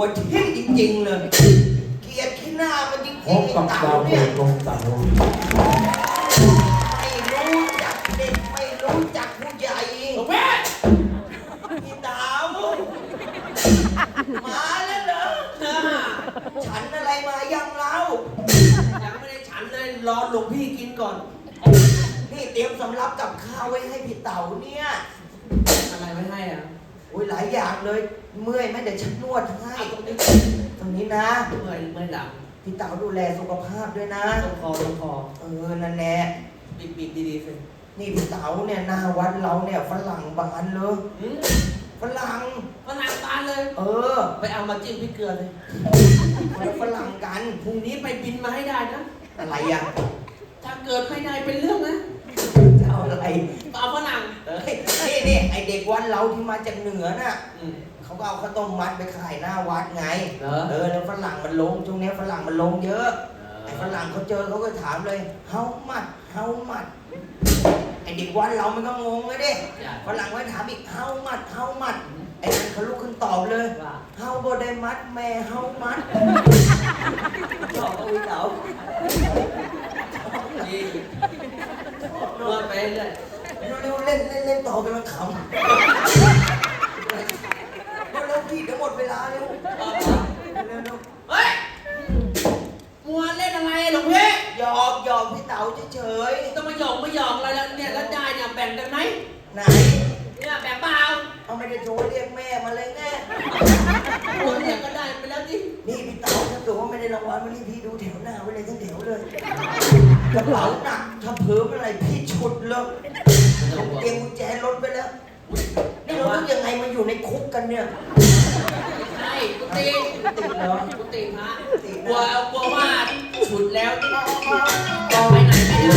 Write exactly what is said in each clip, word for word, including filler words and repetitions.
วทิ่มจริงๆเลยเกลียดขี้หน้ามันจริงๆพบกับดาวเปิดดวงเสาร์ไม่รู้จักเด็กไม่รู้จักผู้ใหญ่หลวงพี่พี่ดาวมาแล้วเหรอฉันอะไรมายังเรายังไม่ได้ฉันเลยรอหลวงพี่กินก่อนนี่เตรียมสำรับกับข้าวไว้ให้พี่เต๋าเนี่ยอะไรไม่ให้อ่ะโอ้ยหลายอย่างเลยเมื่อยไหมเดี๋ยวฉันนวดให้ตรงนี้ตรงนี้นะเมื่อยเมื่อยหลังพี่เต๋าดูแลสุขภาพด้วยนะตรงคอตรงคอเออนั่นแหละปิดปิดดีๆสินี่พี่เต๋าเนี่ยหน้าวัดเราเนี่ยฝรั่งบานเลยหืมฝรั่งฝรั่งบานเลยเออไปเอามาจิ้มพริกเกลือเลยคนฝรั่งกันพรุ่งนี้ไปบินมาให้ได้นะอะไรอ่ะถ้าเกิดไม่ได้เป็นเรื่องนะจะเอาอะไรเอาฝรั่งเอ้ยนี่นี่ไอเด็กวัดเราที่มาจากเหนือน่ะอืมเขาก็เอาข้าวต้มมัดไปขายหน้าวัดไงเหรอเออแล้วฝรั่งมันลงช่วงนี้ฝรั่งมันลงเยอะ ไอ้ฝรั่งเขาเจอเขาก็ถามเลย เฮามัด เฮามัด ไอ้เด็กวัดเรามันก็งงเลยดิฝรั่งไว้ถามอีก เฮามัด เฮามัด ไอ้นั่นเขาลุกขึ้นตอบเลยว่าเฮาบ่ได้มัดแม่เฮามัดตอบเอาไว้เต๋าดีนวดไปเรื่อยเร็วๆเล่นเล่นเล่นต่อไปมันขำเร็วๆพี่เดี๋ยวหมดเวลาเร็วเอาเร็วเฮ้ยมัวเล่นอะไรหลวงพี่ๆหยอกหยอกพี่เต๋าเฉยต้องมาหยอกมาหยอกอะไรแล้วเนี่ยแล้วได้เนี่ยแบ่งกันไหมๆไหนเนี่ยแบ่งเปล่าเอาไม่ได้โทรเรียกแม่มาเลยแน่คนเนี่ยก็ได้ไปแล้วดินี่พี่เต๋าถ้าเกิดว่าไม่ได้รางวัลวันนี้พี่ดูแถวหน้าไว้เลยทั้งแถวเลยกระเป๋าหนักถ้าเพิ่มอะไรพี่ฉุดเลยเตรียมกุญแจรถไปแล้วนี่เราต้องยังไงมาอยู่ในคุกกันเนี่ยใช่กุฏิติดเหรอกุฏิพระติดกลัวนะกลัวว่าฉุดแล้วไปไหนไม่ได้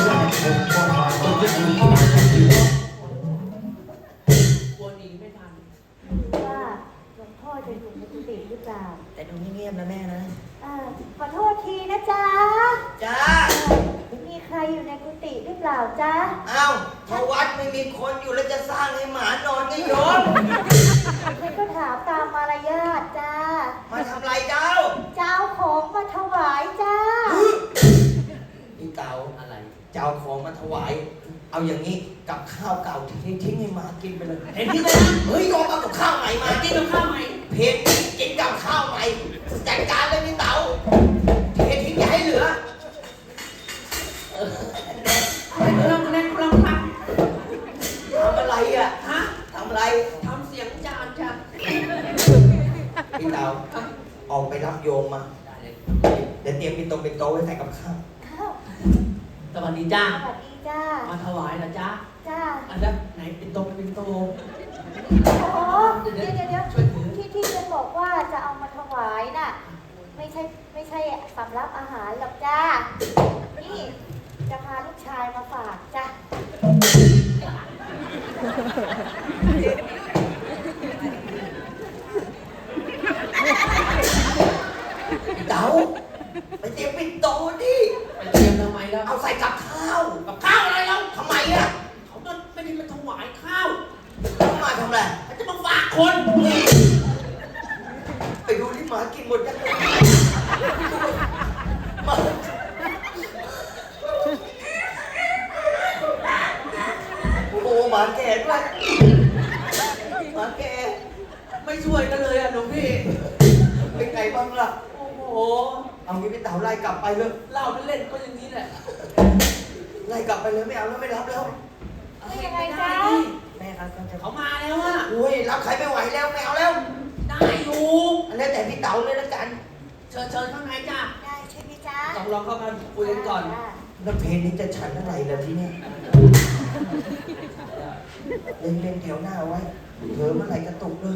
กลัวหนีไม่ทันว่าหลวงพ่อจะอยู่ในกุฏิหรือเปล่าแต่ดูเงียบๆนะแม่นะเออขอโทษทีนะจ๊ะจ้ามีใครอยู่ในกุฏิหรือเปล่าจ๊ะเอ้าถ้าวัดไม่มีคนอยู่แล้วจะสร้างให้หมานอนก็โยนฉันก็ถามตามมารยาทจ้ามาทำไรเจ้าเจ้าของมาถวายจ้าพี่เต๋าอะไรจะเอาของมาถวาย เอาอย่างนี้กับข้าวเก่าทิ้งทิ้งให้หมากินไปเลยเห็นที่เลยนะเฮ้ยยอมเอากับข้าวใหม่มามากินกับข้าวใหม่เพจกินกับข้าวใหม่จัดการเลยพี่เต๋าเททิ้งอย่าให้เหลือกำลังกำลังกำลังททำอะไรอ่ะำฮะทำอะไรทำเสียงจานจ้ะพี่เต๋าออกไปรับโยมมาได้เลยเดี๋ยวเตรียมปินโตปินโตไว้ใส่กับข้าวข้าวสวัสดีจ้าสวัสดีจ้ามาถวายนะจ้าจ้าอันนั้นไหนเป็นโตเป็นโตโอ้เดี๋ยวเดี๋ยวเดี๋ยวช่วยถือที่ที่ฉันบอกว่าจะเอามาถวายน่ะ ไม่ใช่ไม่ใช่สำรับอาหารหรอกจ้า นี่จะพาลูกชายมาฝากจ้าพี่เต๋าไปเตรียมปินโตดิไปเตรียมทำไมแล้วเอาใส่กับข้าวกับข้าวอะไรแล้วทำไมอ่ะเขาก็ไม่ได้มาถวายข้าวเอามาทำอะไรเขาจะมาฝากคนไปดูที่หมากินหมดยังหมาโอ้โหหมาแก่ด้วยหมาแก่ไม่ช่วยกันเลยอ่ะหลวงพี่เป็นไงบ้างล่ะโอ้โหเอางี้พี่เต๋าไล่กลับไปเลยเล่าเล่นๆก็อย่างนี้แหละไล่กลับไปเลยไม่เอาแล้วไม่รับแล้วนี่ยังไงจ๊ะแม่ครับเขามาแล้วอ่ะอุ้ยรับใครไม่ไหวแล้วไม่เอาแล้วได้อยู่อันนี้แต่พี่เต๋าเลยละกันเชิญเชิญข้างในจ้าได้ใช่ไหมจ๊ะลองลองเข้ามาคุยกันก่อนแล้วเพลงนี้จะฉันอะไรล่ะที่เนี่ยเล่นเล่นแถวหน้าไว้เผลอเมื่อไหร่กระตุกเลย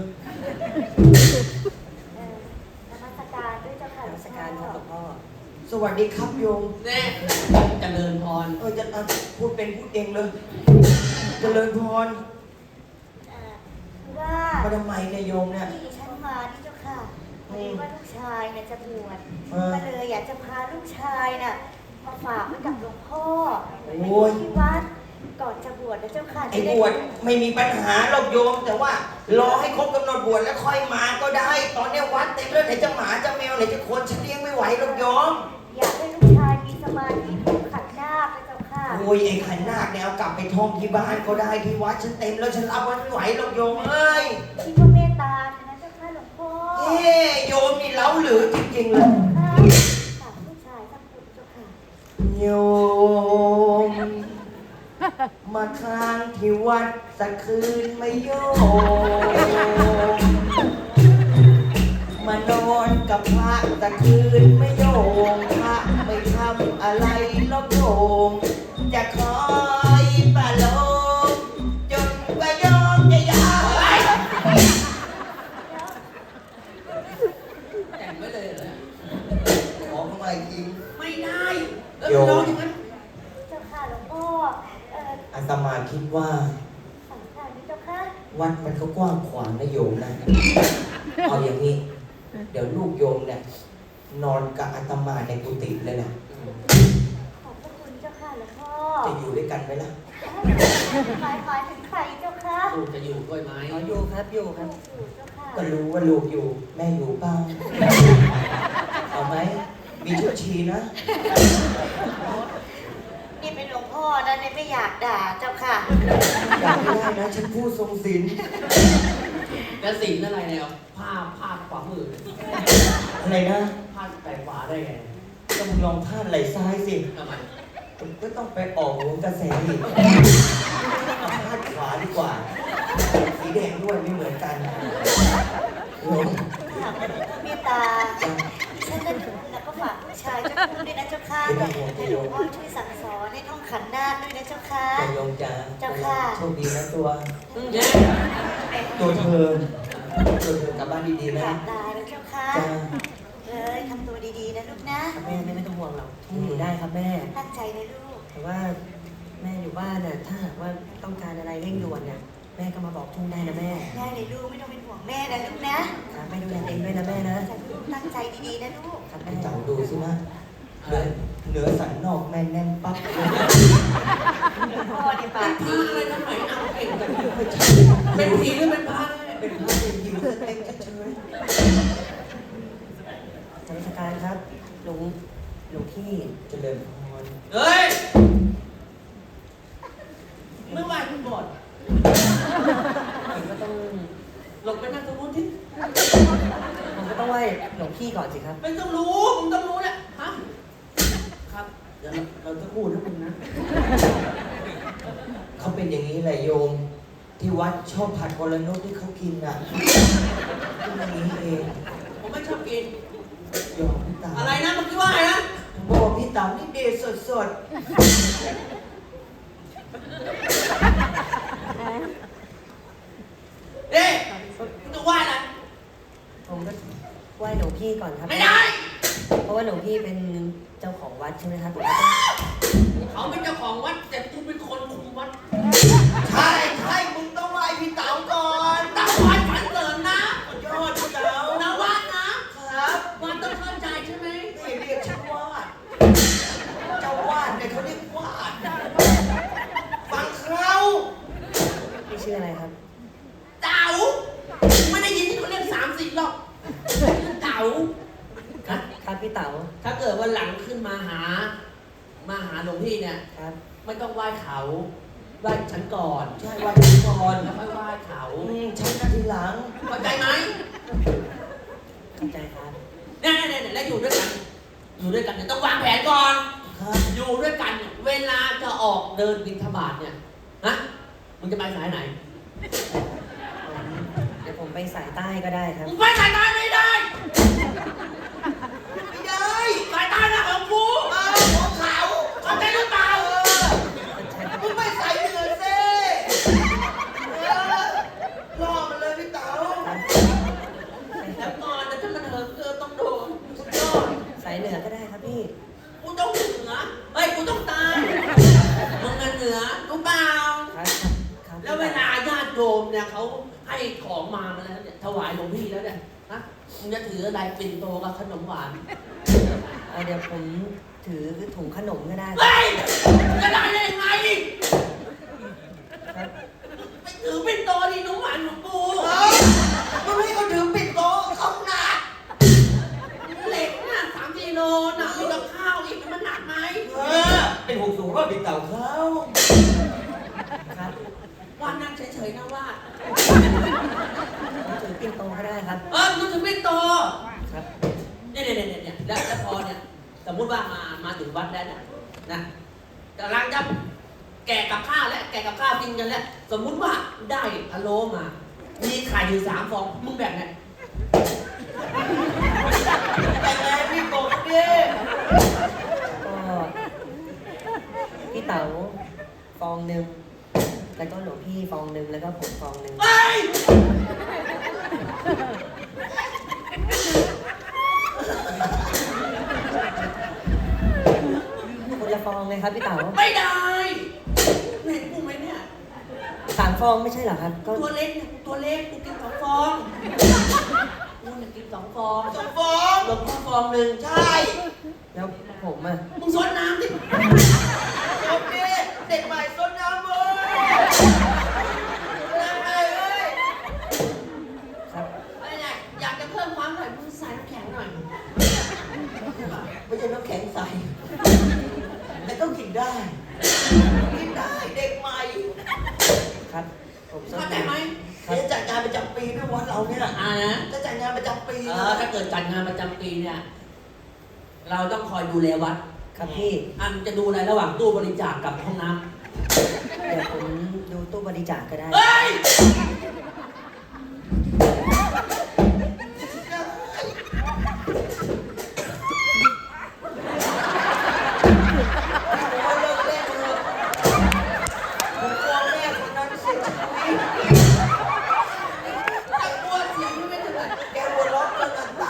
เออนมัสการด้วยเจ้าค่ะนมัสการครับหลวงพ่อ สวัสดีครับโยมแน่เจริญพรเออจะเอาพูดเป็นพูดเองเลยเจริญพรเอ่อคือว่ามาทำไมเนี่ยโยมเนี่ยที่ฉันมานี่เจ้าค่ะพอดีว่าลูกชายเนี่ยจะบวชเออก็เลยอยากจะพาลูกชายน่ะมาฝากไว้กับหลวงพ่อโอ้ยที่วัดก่อนจะบวชนะเจ้าค่ะไอ้บวชไม่มีปัญหาหรอกโยม แต่ว่ารอให้ครบกำหนดบวชแล้วค่อยมาก็ได้ ตอนเนี้ยวัดเต็มแล้วไหนจะหมาจะแมวไหนจะคนฉันเลี้ยงไม่ไหวหรอกโยมอยากให้ลูกชายมีสมาธิถูกขัดหน้าพนะเจ้าค่ะโอ้ยไอ้ขันนาคเนี่ยเอากลับไปท่องที่บ้านก็ได้ที่วัดฉันเต็มแล้วฉันรับไว้ไม่ไหวหรอกโยมเอ้ยคิดว่าเมตตานะเจ้าค่ะหลวงพ่อเฮ้โยมนี่เล้าหรือจริงๆเลยค่ะฝากลูกชายสักคนเจ้าค่ะโยม มาค้างที่วัดสักคืนไม่โยม มานอนกับพระสักคืนไม่โยมพระไม่ทำอะไรลบโยมจะคอยปะโลมจนกว่าโยมจะยาวแต่งไว้เลยเหรอขอเข้ามาอีกทีไม่ได้แล้วร้องอย่างนั้นเจ้าค่ะหลวงพ่อเอ่ออาตมาคิดว่าสังขารนี้เจ้าค่ะวัดมันก็กว้างขวางนะโยมนะ เอาอย่างนี้ เดี๋ยวลูกโยมเนี่ย นอนกับอาตมาในกุฏิเลยนะขอบพระคุณเจ้าค่ะหลวงพ่อจะอยู่ด้วยกันไหมล่ะหมายหมายถึงใครเจ้าค่ะลูกจะอยู่ด้วยไหมอ๋ออยู่ครับอยู่คลูรับกอยู่เจ้าค่ะก็รู้ว่าลูกอยู่ แม่อยู่เปล่าเอาไหม มีชุดชีนะนี่เป็นหลวงพ่อนะเนี่ยไม่อยากด่าเจ้าค่ะอยากไม่ได้นะฉันพูดทรงศีลแล้วสิ่งอะไรเนี่ยผ้าผ้าขวามืออะไรนะผ้าแปลขวาได้ไงก็มึงลองพาดไหล่ซ้ายสิทำไมผมก็ต้องไปออกโหนกระแสอีกเอาพาดขวาดีกว่า สีแดงด้วยไม่เหมือนกันโอ้ยเมตตาฉันนั่นแล้วก็ฝากลูกชายเจ้าคุณด้วยนะเจ้าค่ะให้หลวงพ่อช่วยสั่งสอนให้ท่องขันนาคด้วยนะเจ้าค่ะจะยงจ้าเจ้าค่ะโชคดีนะตัวเนี่ยตัวเธอ ตัวเธอกลับบ้านดีๆกนะราบลาแล้วเจ้าค่ะจ้าเลยทำตัวดีๆนะลูกนะครับแม่แม่ไม่ต้องห่วงหรอกทุ่งอยู่ได้ครับแม่ตั้งใจนะลูกแต่ว่าแม่อยู่บ้านน่ะถ้าหากว่าต้องการอะไรเร่งด่วนเนี่ยแม่ก็มาบอกทุ่งได้นะแม่ได้เลยลูกไม่ต้องเป็นห่วงแม่นะลูกนะครับแม่ดูแลเองด้วยนะแม่นะแต่ลูกตั้งใจดีๆนะลูกครับไอ้แม่เจ้าดูสินะเหนือเหนือสันนอกแม่นแน่นปั๊บเลยพ่อเนี่ยปากผ้าดีอะไรทำไมเอาเก่งจังไม่ใช่เป็นผีหรือเป็นผ้าเป็นพระเป็นยิวสเต็มเฉยธนการครับหลวงหลวงพี่ๆเจริญพรเฮ้ยเมื่อวานคุณบอดผมก็ต้องหลบไปนั่งตรงนู้นที่ผมก็ต้องไหว้หลวงพี่ก่อนสิครับไม่ต้องรู้มึงต้องรู้เนี่ยฮะครับเดี๋ยวเราเราจะพูดนะมึงนะเขาเป็นอย่างนี้แหละโยม ที่วัดชอบผัดวรนุชที่เขากินอ่ะที่อย่างนี้เองผมไม่ชอบกินโยมพี่ตาอะไรนะเมื่อกี้ว่าอะไรนะผมบอกว่าพี่ต๋านี่เดชสดเด้มึงจะว่าอะไรผมก็ไหว้หลวงพี่ก่อนครับไม่ได้เพราะว่าหลวงพี่เป็นเจ้าของวัดใช่ไหมครับผมก็ต้องเขาเป็นเจ้าของวัดแต่กูเป็นคนคุมวัดๆใช่ใช่มึงต้องไหว้พี่เต๋าก่อนตั้งวัดฝันเสริญนะยอดพี่เต๋านะวัดนะครับ วัดต้องเข้าใจใช่ไหมนี่เรียกชื่อวาดเจ้าวาดเนี่ยเขาเรียกวาดฟังเขาพี่ชื่ออะไรครับเต๋าไม่ได้ยินที่เขาเรียกสามสิบหรอกเต๋าครับครับพี่เต๋าถ้าเกิดวันหลังขึ้นมาหา มาหาหลวงพี่เนี่ยครับไม่ต้องไหว้เขาไหว้ฉันก่อนใช่วาดพี่ก่อนแล้วค่อยไหว้เขาอืมฉันนาทีหลังเข้าใจไหมเข้าใจครับเนี่ยเนี่ยเนี่ยแล้วอยู่ด้วยกัน อยู่ด้วยกันเนี่ยต้องวางแผนก่อนครับอยู่ด้วยกันเนี่ยเวลาจะออกเดินบิณฑบาตเนี่ยฮะมึงจะไปสายไหนเดี๋ยวผมไปสายใต้ก็ได้ครับมึงไปสายใต้ไม่ได้ไม่ได้สายใต้นะของกูเอาของเขาเข้าใจหรือเปล่าเออมึงไม่ใส่เหนือเซ่เออล่อมันเลยพี่เต๋าแล้วก่อนนะถ้ามันเหิมเกินต้องโดนสุดยอดสายเหนือก็ได้ครับพี่กูต้องเหนือเฮ้ยกูต้องตายมึงกันเหนือรู้เปล่าครับครับแล้วเวลาญาติโยมเนี่ยเขาให้ของมามาแล้วเนี่ยถวายหลวงพี่แล้วเนี่ยนะมึงจะถืออะไรปิ่นโตกับขนมหวานเอาเดี๋ยวผมถือถุงขนมก็ได้เฮ้ยจะได้ได้ยังไงครับไปถือเป็นโตดีหนูหวานหนูปูเฮ้ยมันไม่เขาถือปิดโต๊ะเขาหนักเหล็กน่ะสามกิโลหนักมีกับข้าวอีกมันหนักไหมเออเป็นหกสูงว่าปิดเต่าเขาครับวันนั่งเฉยๆนะว่าผมถือปิ่นโตก็ได้ครับเออมึงถือเป็นโตครับเนี่ยเนี่ยเนี่ยเนี่ยแล้วแล้วพอเนี่ยสมมุติว่ามามาถึงวัดแล้วเนี่ยนะกำลังจะแกะกับข้าวแล้วแกะกับข้าวกินกันแล้วสมมุติว่าได้พะโล้มา มีไข่อยู่สามฟองมึงแบ่งไงแต่ไงพี่กบดิก็พี่เต๋าฟองหนึ่งแล้วก็หลวงพี่ฟองหนึ่งแล้วก็ผมฟองหนึ่งเฮ้ยคนละฟองเลยครับพี่เต๋าไม่ได้เห็นกูไหมเนี่ยสามฟองไม่ใช่เหรอครับ ก็ตัวเล็กเนี่ยกูตัวเล็กกูกินสองฟองกูเนี่ยกินสองฟองสองฟองหลวงพ่อฟองหนึ่งใช่แล้วผมอ่ะมึงซดน้ำดิกบดิเด็กใหม่ต้นน้ำเว้ยน้ำไงเอ้ยครับอะไรเนี่ยอยากจะเพิ่มความอร่อยมึงใส่น้ำแข็งหน่อยไม่ใช่น้ำแข็งใสแต่ต้องกินได้ กินได้เด็กใหม่ครับ ผมส้มเข้าใจไหมเดี๋ยวจัดงานประจำปีด้วยวัดเราเนี่ยอ่านะจะจัดงานประจำปีเอนะอถ้าเกิดจัดงานประจำปีเนี่ย เราต้องคอยดูแลวัดครับพี่อันจะดูอะไรระหว่างตู้บริจาคกับห้องน้ำเดี๋ยวผมดูตู้บริจาคก็ได้เฮ้ยเอาเลิกเล่นเถอะผมกลัวแม่คนนั้นเสียชีวิตไอ้กลัวเสียงไม่เป็นไรแกหัวเราะจนน้ำตา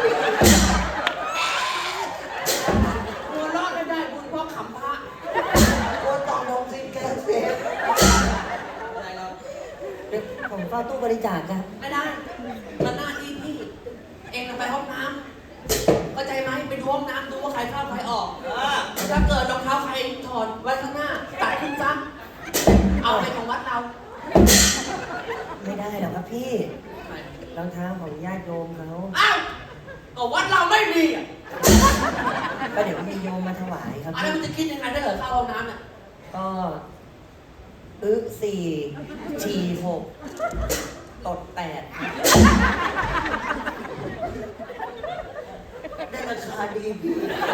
หัวรอดไม่ได้บุญเพราะขำพระกลัวต่อมทองซิงแกเสียอะไรเราเดี๋ยวผมเฝ้าตู้บริจาคครับไม่ได้ มันหน้าที่พี่ เองไปห้องน้ำเข้าใจไหมไปดูห้องน้ำดูว่าใครเข้าใครออกอ่าถ้าเกิดรองเท้าใครถอดไว้ข้างหน้า ตัดขึ้นซะเอาไปของวัดเราไม่ได้หรอกครับพี่ รองเท้าของญาติโยมเขาอ้าวก็วัดเราไม่มีอ่ะก็เดี๋ยวมีโยมมาถวายครับอะไรพี่มันจะคิดยังไงถ้าเกิดเข้าห้องน้ำเนี่ยก็อึสี่ฉี่หกตดแปดได้ราคาดีพี่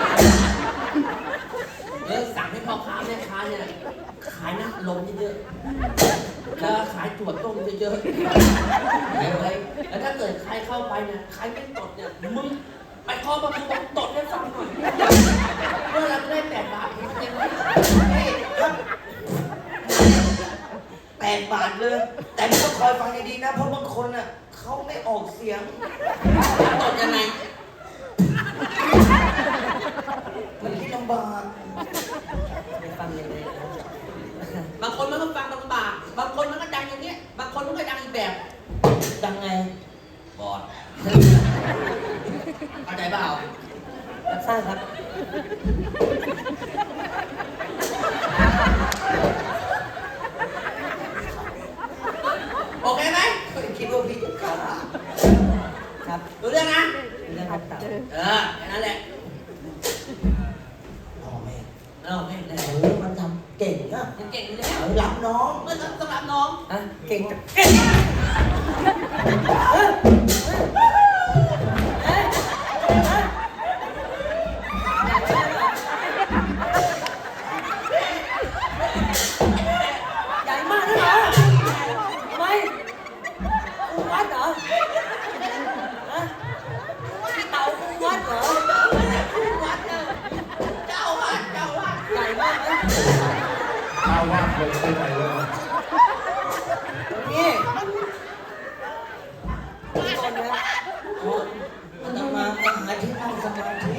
เออสั่งให้พ่อค้าแม่ค้าเนี่ยขายน้ำลมเยอะๆแล้วขายถั่วต้มเยอะๆไปเลยแล้วถ้าเกิดใครเข้าไปเนี่ยใครไม่ตดเนี่ยมึงไปเคาะประตูบอกตดให้ฟังหน่อยเมื่อเราได้แปดบาทเองเองไหมนี่ครับแปดบาทเลย แต่ไม่ต้องคอยฟังดีๆนะ เพราะบางคนน่ะเขาไม่ออกเสียงตดยังไงมันคิดลำบากไปฟังยังไงครับบางคนมันก็ฟังลำบากบางคนมันก็ดังอย่างเงี้ยบางคนมันก็ดังอีกแบบดังไงบอดเข้าใจเปล่ารับทราบครับโอเคไหมคิดว่าพี่จะฆ่าครับรู้เรื่องนะเรื่องครับเต่าเออแค่นั้นแหละพ่อแม่เออไม่ได้เออมันทำเก่งนะยังเก่งอยู่แล้วเออรับน้องเมื่อสำหรับน้องอ่ะเก่งจังใหญ่มากนะเหรอทำไมกูวัดเหรอฮะพี่เต่ากูวัดเหรอวัดเออเจ้าวัดเจ้าวัดใหญ่มากไหมถ้าว่าคนไปไหนเลยนี่พี่บอลนะมันต้องมามาหาที่นั่งสมาธิ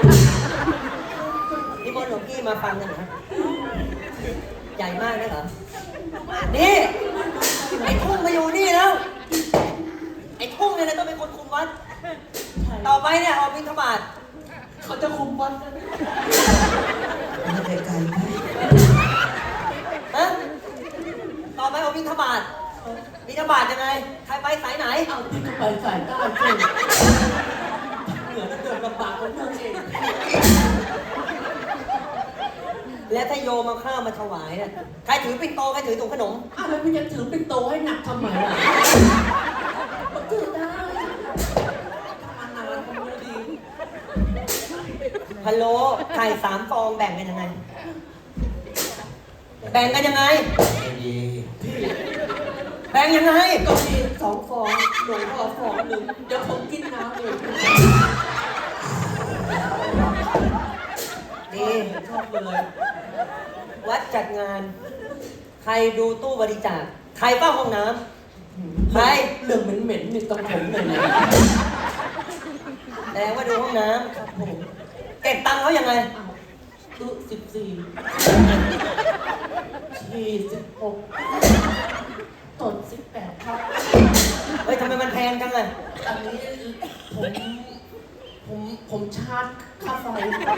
พี่บอลหลวงพี่มาฟังกันนะใหญ่มากนะเหรอ นี่ ไอ้ทุ่งมาอยู่นี่แล้ว ไอ้ทุ่งเนี่ยนะต้องเป็นคนคุมวัด ต่อไปเนี่ยออกบิณฑบาตเขาจะคุมวัดนะมันไกลๆไหมฮะต่อใครไปสายไหนเอาที่ก็ไปสายใต้เช่นเหนือแล้วเดินลำบากของเรื่องเองและถ้าโยมมาข้าวมาถวายเนี่ยใครถือปิ่นโตใครถือถุงขนมอ้าวแล้วพี่จะถือเป็นโตให้หนักทำไมล่ะก็ถือได้ทำงานอะไรก็ไม่ดีพะโล้ไข่สามฟองแบ่งกันยังไง แบ่งกันยังไงไม่ดีแบ่งยังไงก็มีสองฟองหลวงพ่อฟองหนึ่งเดี๋ยวผมกินน้ำเองดีชอบเลยวัดจัดงาน ใครดูตู้บริจาค ใครเฝ้าห้องน้ำใครเรื่องเหม็นๆนี่ต้องผมเลยนะแสดงว่าดูห้องน้ำครับผมเก็บตังค์เขายังไงอ้าวตู้สิบสี่ยี่สิบหกตดสิบแปดครับเฮ้ยทำไมมันแพงจังอะอันนี้ผมผมผมชาร์จค่าไฟ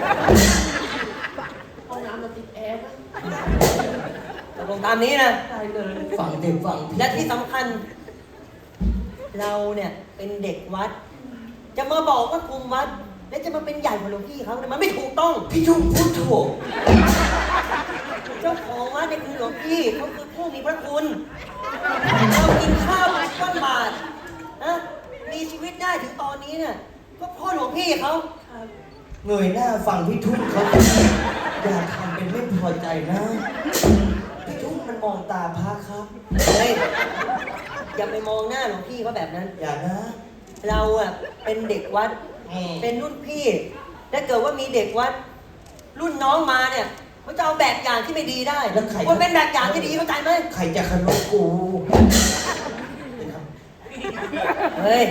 ห้องน้ำเราติดแอร์นะตกลงตามนี้นะได้เลยฟังเด็กฟังพี่และที่สำคัญ เราเนี่ยเป็นเด็กวัด จะมาบอกว่าคุมวัด และจะมาเป็นใหญ่กว่าหลวงพี่เขาเนี่ยมันไม่ถูกต้องพี่ทุ่งพูดถูกเจ้าของวัดเนี่ยคือหลวงพี่เขาคือผู้มีพระคุณเรากินข้าวก้อนบาทนะมีชีวิตได้ถึงตอนนี้เนี่ยก็เพ่อหลวงพี่เขาเงยหน้าฟังพี่ทุ่งเขาอย่าทำเป็นไม่พอใจนะ พี่ทุ่งมันมองตาพระครับเฮ้ยอย่าไปมองหน้าหลวงพี่เขาแบบนั้นอย่านะเราอะเป็นเด็กวัดอืมเป็นรุ่นพี่ถ้าเกิดว่ามีเด็กวัด รุ่นน้องมาเนี่ยเขาจะเอาแบบอย่างที่ไม่ดีได้แล้วใครคนเป็นแบบอย่างที่ดีเข้าใจไหมใครจะขนมกูเฮ้ย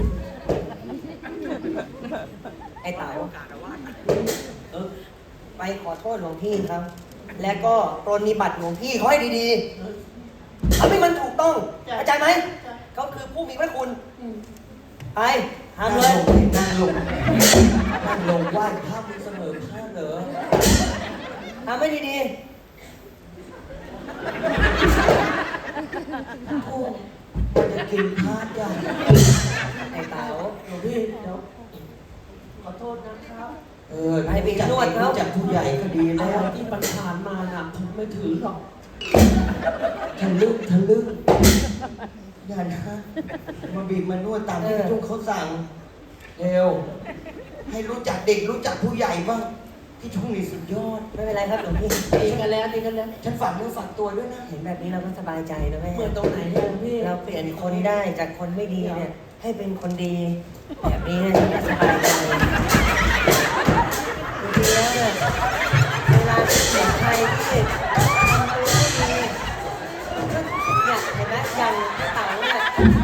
ไอ้เต๋าเออไปขอโทษหลวงพี่ครับ และก็ปรนนิบัติหลวงพี่เขาให้ดีๆทำให้มันถูกต้องเข้าใจไหมเขาคือผู้มีพระคุณ ไปทำเลยนั่งลงนั่งลงไหว้พระมึงเสมอพระเหรอทำให้ดีโอ้มันจะกินพระใหญ่ๆ ไอ้เต๋าหลวงพี่เดี๋ยวขอโทษนะครับเออให้ไปนวดเขาจากผู้ใหญ่ก็ดีอะแล้ไรวที่ปัญหานมาน่ะผมไม่ถือหรอกทะลึ่งทะลึ่งอย่านะมาบีบมานวดตามที่พี่ทุ่งเขาสั่งเร็ว ให้รู้จักเด็กรู้จักผู้ใหญ่บ้างพี่ทุ่งนี่สุดยอดไม่เป็นไรครับหลวงพี่ดีกันแล้วดีกันแล้วฉันฝากเนื้อฝากตัวด้วยนะเห็นแบบนี้เราก็สบายใจนะแม่เหมือนตรงไหนเนี่ยหลวงพี่เราเปลี่ยนคนได้จากคนไม่ดีเนี่ย ให้เป็นคนดี แบบนี้เนี่ยฉันก็สบายใจจริงๆแล้วเนี่ยเวลาที่เห็นใครที่ทำตัวไม่ดีเนี่ยเห็นไหมอย่างไอ้เต๋าเนี่ย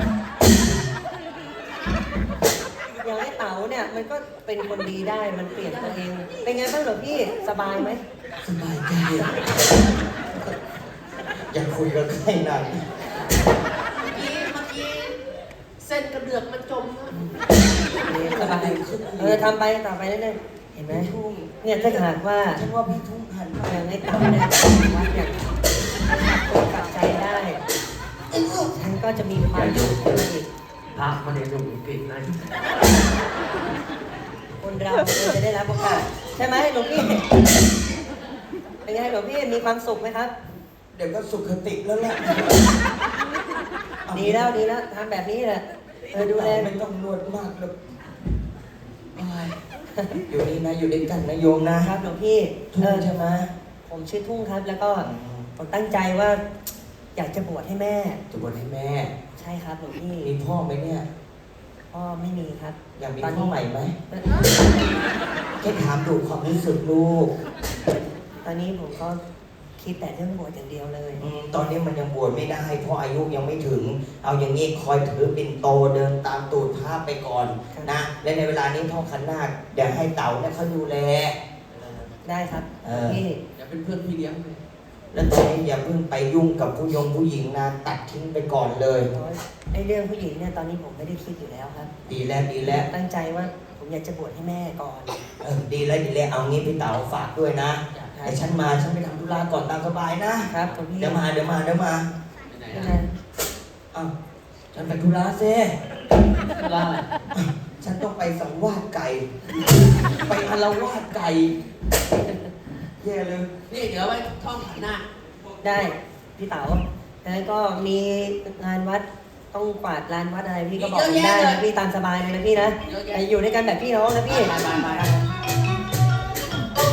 อย่างไอ้เต๋าเนี่ยมันก็เป็นคนดีได้มันเปลี่ยนตัวเอง เป็นไงบ้างเหรอพี่สบายไหมสบายใจอยากคุยกับใครหน่อยเมื่อกี้เมื่อกี้เส้นกระเดือกมันจมนะสบายเออทำไปต่อไปเรื่อยๆเห็นไหมเนี่ยถ้าหากว่าฉันว่าพี่ทุ่งหันมาอย่างไอ้เต๋าเนี่ยวัดเนี่ยกลับใจได้ฉันก็จะมีความสุขอีกพระมาในหลวงกิจนะคนเราควรจะได้รับโอกาสใช่ไหมหลวงพี่เป็นไงหลวงพี่มีความสุขไหมครับเดี๋ยวก็สุขติแล้วแหละดีแล้วดีแล้วทำแบบนี้แหละเออดูแลไม่ต้องนวดมากหรอกโอ้ยอยู่นี่นะอยู่ด้วยกันนะโยมนะครับหลวงพี่ทุ่เอง อใช่ไหมผมชื่อทุ่งครับ แล้วก็ผมตั้งใจว่า อยากจะบวชให้แม่จะบวชให้แม่ใช่ครับหลวงพี่มีพ่อไหมเนี่ยพ่อไม่มีครับอยากมีตอนพ่อนี้ใหม่ไหมแค่ถามดูความรู้สึกลูกตอนนี้ผมก็คิดแต่เรื่องบวชอย่างเดียวเลยอืมตอนนี้มันยังบวชไม่ได้ เพราะอายุยังไม่ถึง เอาอย่างนี้คอยถือปิ่นโตเดินตามตูดภาพไปก่อนนะ และในเวลานี้ท่องขันนาคเดี๋ยวให้เต่าเนี่ยเขาดูแลได้ครับเออพี่อย่าเป็นเพื่อนพี่เลี้ยงเลยแล้วตอนนี้อย่าเพิ่งไปยุ่งกับผู้ยงผู้หญิงนะตัดทิ้งไปก่อนเลยไอ้เรื่องผู้หญิงเนี่ยตอนนี้ผมไม่ได้คิดอยู่แล้วครับดีแล้วดีแล้วตั้งใจว่าผมอยากจะบวชให้แม่ก่อนเออดีแล้วดีแล้วเอางี้พี่เต๋าฝากด้วยนะไอ้ฉันมาฉันไปทำธุระก่อนตามสบายนะครับผมพี่เดี๋ยวมาเดี๋ยวมาเดี๋ยวมาไปไหนยังนะไงอ้าวฉันไปธุระเซ่ว่าอะไรฉันต้องไปสังวาสไก่ ไปอารวาสไก่แย่เลยนี่เดี๋ยวไว้ท่องขันหน้าได้พี่เต๋าแล้วก็มีงานวัดต้องกวาดลานวัดอะไรพี่ก็บอกผมได้นะพี่ตามสบายเลยนะพี่นะเยอะแยะแต่อยู่ด้วยกันแบบพี่น้องนะพี่ไปไปไป